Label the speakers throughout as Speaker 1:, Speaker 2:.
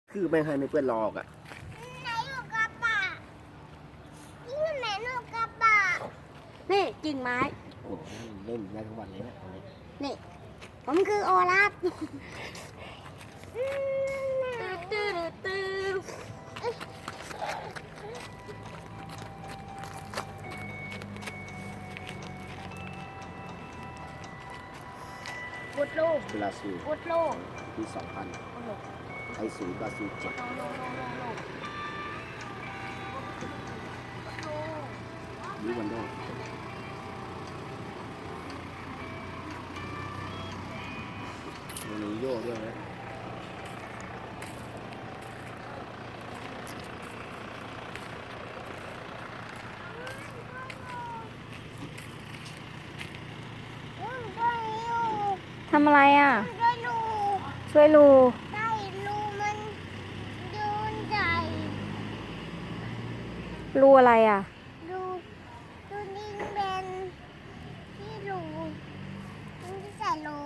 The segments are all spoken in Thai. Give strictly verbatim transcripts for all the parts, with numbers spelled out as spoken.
Speaker 1: คือไม่ให้ไม่เปื้อนหรอกอ่ะ
Speaker 2: ไหนลูกกระบะนี่ไหนลูกกระบะนี่กิ่งไม้
Speaker 1: โอ้เล่นได้ทั้งวันเลยนะ
Speaker 2: นี่ผมคือโอลาฟตื้อตื้อตื้อพุดโลก
Speaker 1: บราซิล
Speaker 2: พุดโลก
Speaker 1: ปีสองพันไอศูนย์บราซิลเจ็ดยูวันโดวันนี้โย่ด้วยนะ
Speaker 3: ทำอะไรอ่ะ
Speaker 2: ช่วยลู
Speaker 3: ช่วยลู
Speaker 2: ได้ลูมันดูใหญ่
Speaker 3: ลูอะไรอ่ะ
Speaker 2: ดูดูนิ่งเป็นที่ลูมันจะใส่ลู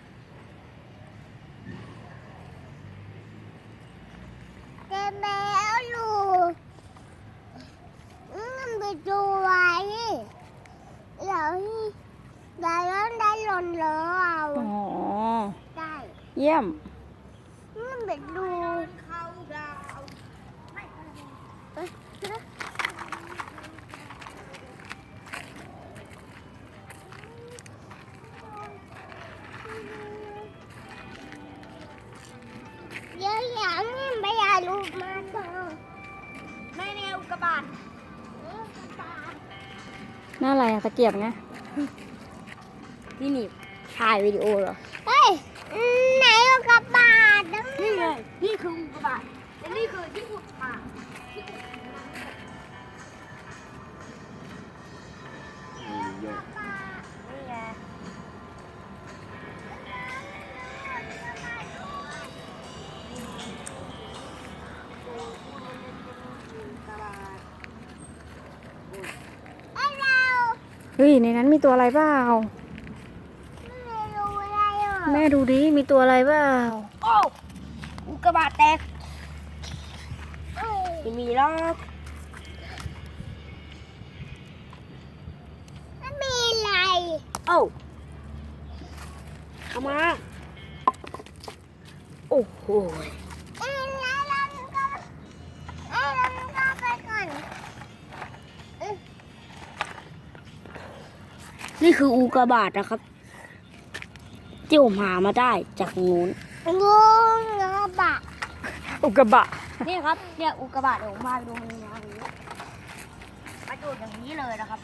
Speaker 2: เต็มแล้วลูมันไปดูไว้เดี๋ยวเดี๋ยวได้หล่นเลยเอา
Speaker 3: อ๋อ
Speaker 2: ได้
Speaker 3: เยี่ยม
Speaker 2: มันไปดูเข้าดาวเอ้ยเดี๋ยวอย่างนี้ไม่อยากลูกมาต่อไม่แนวกระบาดกระบาด
Speaker 3: หน้าอะไรอ่ะตะเกียบไงนี่นี่ถ่ายวิดีโอเหรอ
Speaker 2: เฮ้ยไหนอุกกาบาตนี่ไงนี่คืออุกกาบาตและนี่คือที่อุดปาก
Speaker 1: มีโย่
Speaker 2: นี่ไงไอ้เรา
Speaker 3: เฮ้ย ในนั้นมีตัวอะไรเปล่า
Speaker 2: ไม่รู้อะไรอ่ะ
Speaker 3: แม่ดูดิ มีตัวอะไรเปล่า
Speaker 2: โอ้อุกกาบาตแตกไม่มีหรอกไม่มีอะไรโอ้เข้ามาโอ้โหเอ้ยแล้วเราก็เอ้ยเราก็ไปก่อนเอ้ยนี่คืออุกกาบาตนะครับที่ผมหามาได้จากนู้นงูกระบะ
Speaker 3: อุกกาบะ
Speaker 2: นี่ครับเนี่ยอุกกาบาตเดี๋ยวผมพาไปดูมันนะนี้มาดูอย่างนี้เลยนะครับ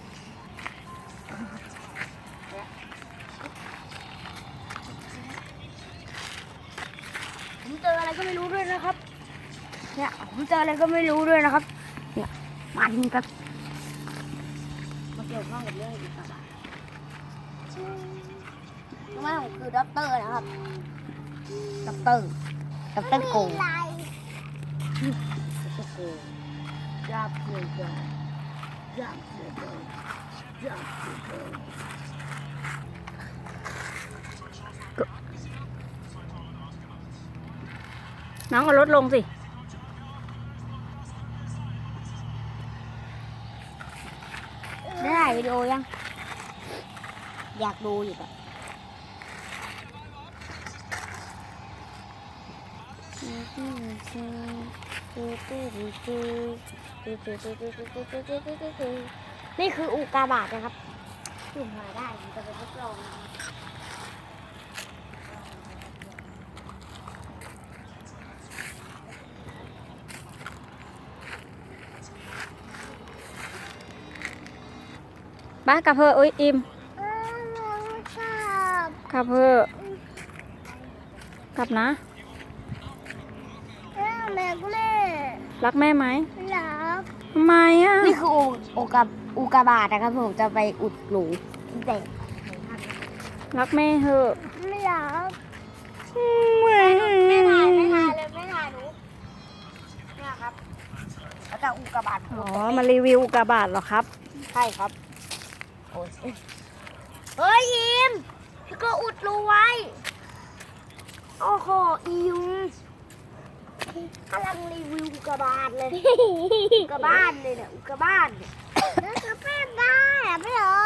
Speaker 2: ผมเจออะไรก็ไม่รู้ด้วยนะครับเนี่ยผมเจออะไรก็ไม่รู้ด้วยนะครับเนี่ยมาดูครับมาเกี่ยวข้องกับเรื่องอุกกาบาตรู้ไหมผมคือด็อกเตอร์นะครับด็อกเตอร์ด็อกเตอร์โกงยาบเกินไปยาบเกินไปยาบเกินไป
Speaker 3: น้องเอารถลงสิ
Speaker 2: ได้ถ่ายวิดีโอยัง อยากดูอยู่อะนี่คืออุกกาบาตนะครับจุ่มมาได้ผมจะไปทดลองนะครับ
Speaker 3: บ้ากลับเพออุ้ยอิม
Speaker 2: เออน้องชอบ
Speaker 3: กลับเพอกลับนะ
Speaker 2: เออแม่ก็แม่
Speaker 3: รักแม่ไหม
Speaker 2: รัก
Speaker 3: ทำไมอ่ะ
Speaker 2: นี่คืออุอุกาอุกาบาตนะครับผมจะไปอุดหนูเด็ก
Speaker 3: รักแม่เหอะ
Speaker 2: ไม่รัก
Speaker 3: แม่
Speaker 2: ไม่ถ่ายไม่ถ่ายเลยไม่ถ่ายหนูเนี่ยครับแล้วจะอุกกาบาต
Speaker 3: อ๋อ มารีวิวอุกกาบาตเหรอครับ
Speaker 2: ใช่ครับโอ้ยเฮ้ยอิมแล้วก็อุดรูไว้โอ้โหอิมกำลังรีวิวอุกกาบาตเลย อุกกาบาตเลยเนี่ยอุกกาบาตเนี่ยแล้วก็แป้งได้อะไม่เหรอ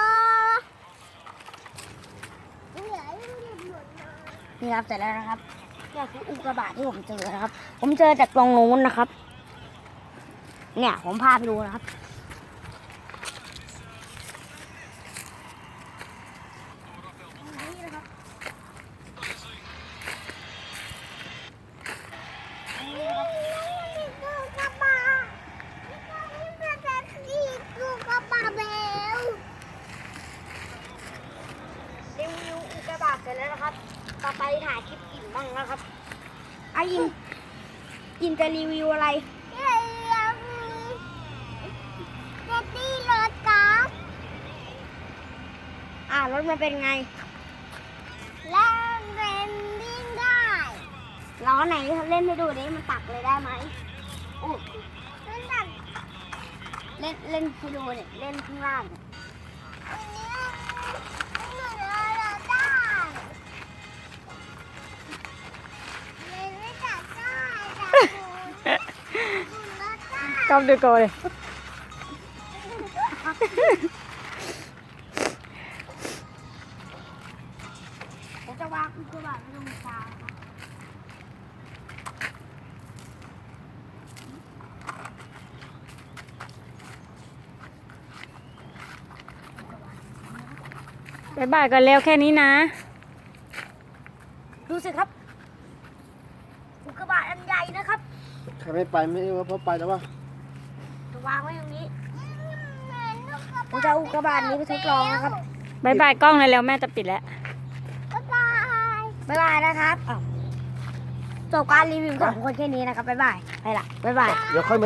Speaker 2: นี่ครับเสร็จแล้วนะครับนี่คืออุกกาบาตที่ผมเจอนะครับ ผมเจอจากตรงนู้นนะครับ เนี่ยผมพาไปดูนะครับนี่นะครับนี่นะครับอุกกาบาตนี่เป็นที่อุกกาบาตแล้วรีวิวอุกกาบาตเสร็จแล้วนะครับ ต่อไปถ่ายคลิปอิ่มบ้างนะครับไอ้ยินยินจะรีวิวอะไรเดี๋ยวจะตีรถกับอ่ารถมันเป็นไงแล้วเล่นวิ่งได้ล้อไหนเล่นให้ดูดิมันตักเลยได้ไหมโอ้เล่นตักเล่นเล่นให้ดูเนี่ยเล่นข้างล่างเนี่ย
Speaker 3: กอบดูโกเลย
Speaker 2: ผมจะวางอุกกาบาตไว้ตรงกลางครับ
Speaker 3: บ๊ายบายกันแล้วแค่นี้นะ
Speaker 2: ดูสิครับอุกกาบาตอันใหญ่นะครับ
Speaker 1: ใครไม่ไปไม่ว่าเพราะไปแล้วว่า
Speaker 2: จะวางไว้ตรงนี้ผมจะเอาอุกกาบาตนี้ไปทดลองนะครับ
Speaker 3: บ๊ายบายกล้องเลยแล้วแม่จะปิดแล้ว
Speaker 2: บ๊ายบายบ๊ายบายนะครับอ้าวจบการรีวิวของคนแค่นี้นะครับบ๊ายบายไปละบ๊ายบาย
Speaker 1: เดี๋ยวค่อยมา